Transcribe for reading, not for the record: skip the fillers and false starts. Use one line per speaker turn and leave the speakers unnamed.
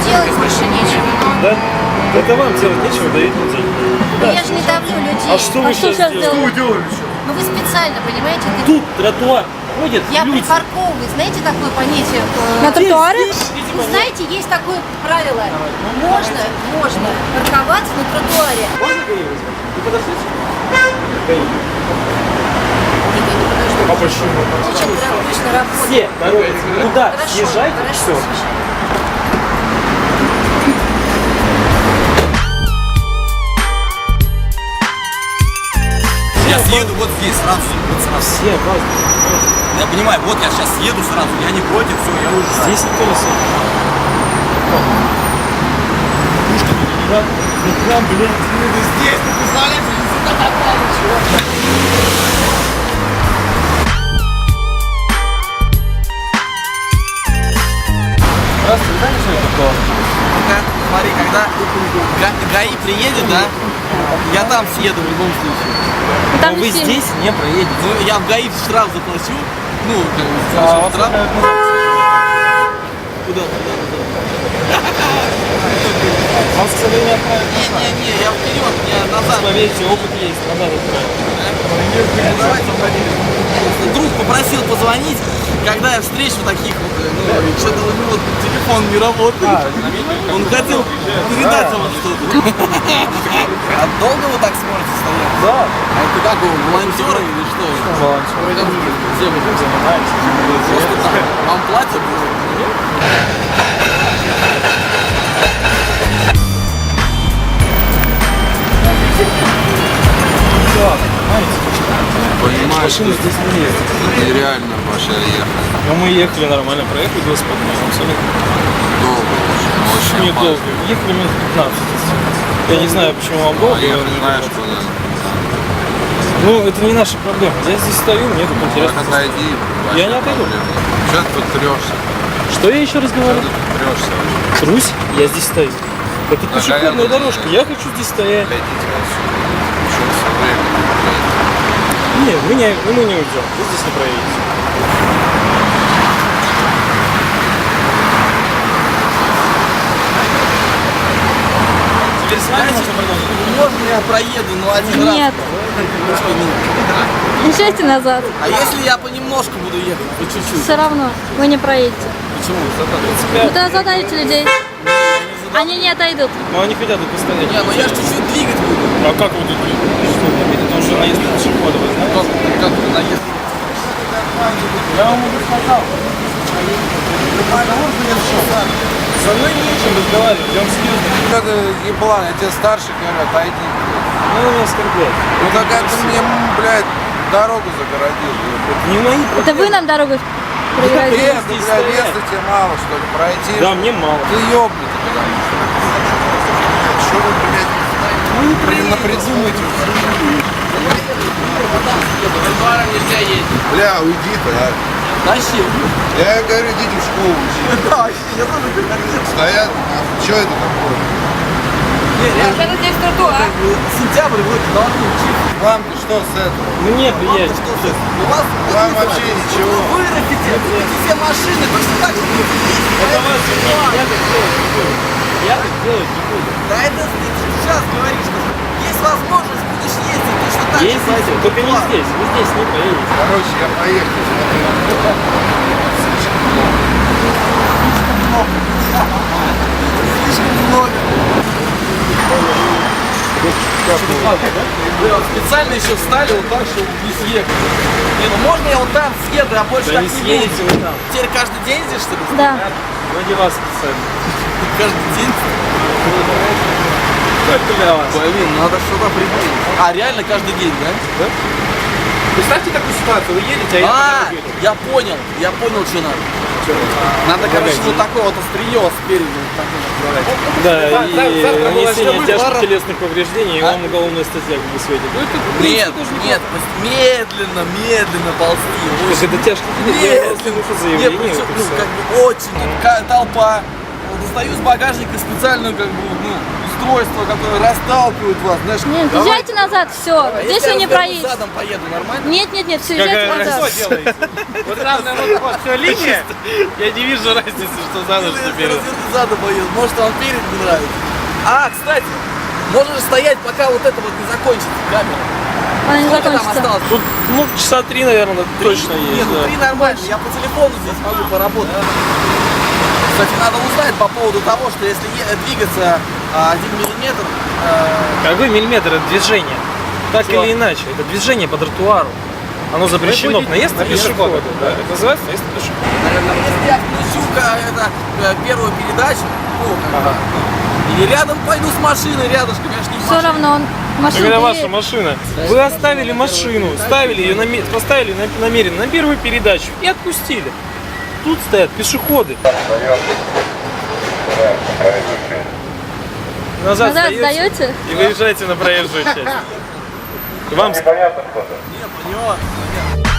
делать больше нечего.
Да? Это вам делать нечего, даете деньги.
Но я же не давлю людей.
А что вы сейчас делаете?
Ну вы специально, понимаете?
Тут тротуар ходят
Я
люди.
припарковываю. Знаете такое понятие?
На тротуаре?
Вы знаете, есть такое правило. Можно парковаться на тротуаре.
Можно ГАИ вызвать? Вы подождите? ГАИ. А почему?
Зачем ты обычно работаешь?
Все торопятся. Куда?
Хорошо,
Съезжайте,
хорошо,
все.
съезжай.
Я съеду вот здесь сразу. Вот сразу.
Все опаздывают.
Я понимаю, вот я сейчас съеду сразу. Я не против, все, я уже
Здесь никто не сидит. Да, блин.
здесь, ты представляешь, я сюда попал, чувак.
Раз, ты знаешь, что это такое?
Смотри, когда ГАИ приедет, да, я там съеду в любом случае.
Там
Но вы
все-
здесь не проедете.
Ну, я в ГАИ штраф заплачу. Ну, как бы,
А,
штраф.
вас
Куда?
Вас, к сожалению, отправят.
Не, я вперед, я назад.
Поверьте, опыт есть, назад отправят.
Друг попросил позвонить, когда я встречу таких вот, ну, что-то у него телефон не работает. Он хотел передать вам что-то. А долго вы так сможете стоять?
Да.
А это как, вы волонтеры или что?
Волонтеры.
Где вы там
занимаетесь?
Просто так. Вам платят?
Понимаешь,
Машина здесь не ездит.
нереально вообще ехать.
Но мы ехали нормально, проехали велосипед, абсолютно
Долго очень
недолго.
опасно.
Ехали минут 15. Я не знаю, почему вам долго.
А ехать знаешь куда?
Ну, это не наша проблема. Я здесь стою, мне тут интересно.
Так отойди.
Я не отойду.
Что ты тут трешься?
Что я еще раз
Что
говорю?
ты тут трешься?
Трусь, я здесь стою. Это
Да,
пешеходная
понятно,
дорожка, я хочу здесь стоять.
Отойдите отсюда. Еще все время.
Не, мы не уйдем, вы здесь не проедете.
Теперь знаете, можно я проеду, но один раз?
Нет. Езжайте назад.
А если я понемножку буду ехать, по чуть-чуть?
Все равно вы не проедете.
Почему?
Вы туда задавите людей. Они не отойдут.
Но они хотят тут постоять.
Не, ну я же чуть-чуть двигать буду.
А как вы тут? Что, это уже наезд на пешехода, вы знаете?
Как ты наезд?
Я вам уже сказал. Со мной не о чем разговаривать, я вам серьезно.
Это еблан, я тебе старше говорю, отойди.
Ну, он меня оскорбляет.
Ну так это мне, блядь, дорогу загородил.
Это не мои проблемы.
Это вы нам дорогу проверяете.
Места,
здесь
блядь,
стоять.
места тебе мало, что ли, пройти?
Да, мне мало.
Ты ёбнутый, потому что. Что вы, блядь, напридумайте? Бля, уйди-то, а.
Зачем?
Я говорю, идите в школу учить.
Да, я тоже говорю.
Стоят, что это такое?
Это здесь тротуар. Сентябрь, вы должны учиться.
Вам-то что с этого?
Мне приятно.
Что же? У вас
Вам вообще ничего.
Вы вырастите, все машины, точно так же будете ездить.
Это ваше мнение, я так делать не буду. Я так делать не буду.
Да это ты сейчас говоришь, что есть возможность, будешь ездить точно так же.
Ездите, только не здесь, вы здесь не проедете.
Короче, я поехал.
Слишком много. Вы вот специально еще встали вот так, чтобы не съехать. Не, ну можно я вот там съеду, а больше
Да
так
не
не
съедете
буду.
вы там.
Теперь каждый день здесь, что ли?
Да.
Ради вас специально.
Каждый день?
Только для вас.
Блин, надо что-то придумать. А, реально каждый день, да?
Представьте такую ситуацию, вы едете, а я
А,
по дороге иду.
я понял, что надо. Надо, короче, вот такое вот острие спереди. Вот такое.
Да, и
завтра мы
нанесение
начнем
тяжких
пара.
телесных повреждений, и
А?
вам уголовная статья как бы светит. Ну, это, в принципе,
Нет,
тоже неплохо.
нет, медленно ползти.
Так
Очень
это тяжкие телесные, я
медленно.
слышу
Нет,
заявление.
причем,
вот и
ну,
всё.
как бы очень, тут толпа. Вот достаю с багажника специальное как бы, ну, устройство, которое расталкивает вас, знаешь.
Нет, езжайте назад, все.
А
Здесь
если
вы
я
не
развернусь
проедете.
задом поеду, нормально?
Нет, все, езжайте назад.
Вот главное, вот все линия. Я не вижу разницы, что за ночь
Если
теперь.
развернусь задом поеду, может вам перед не нравится. А, кстати, можешь стоять, пока вот это вот не закончится камера.
Она не
Сколько там
закончится.
осталось?
Тут, ну, часа 3, наверное, точно
Нет,
есть.
ну
да.
3 нормально, я по телефону здесь могу поработать. Кстати, надо узнать по поводу того, что если двигаться 1 миллиметр,
Какой миллиметр это движение? Так
Что?
или иначе, это движение по тротуару. Оно запрещено к наезду на пешехода. Да, это называется наезд на пешехода.
если я включу первую передачу, ну, как бы, или рядом пойду с машиной, рядышком, я ж не в
Все
машине.
равно он машина.
Когда ваша машина, вы оставили машину, ставили ее поставили намеренно на первую передачу и отпустили. Тут стоят пешеходы. Назад
сдаете?
и выезжаете на проезжую часть. Вам
Не, поняла.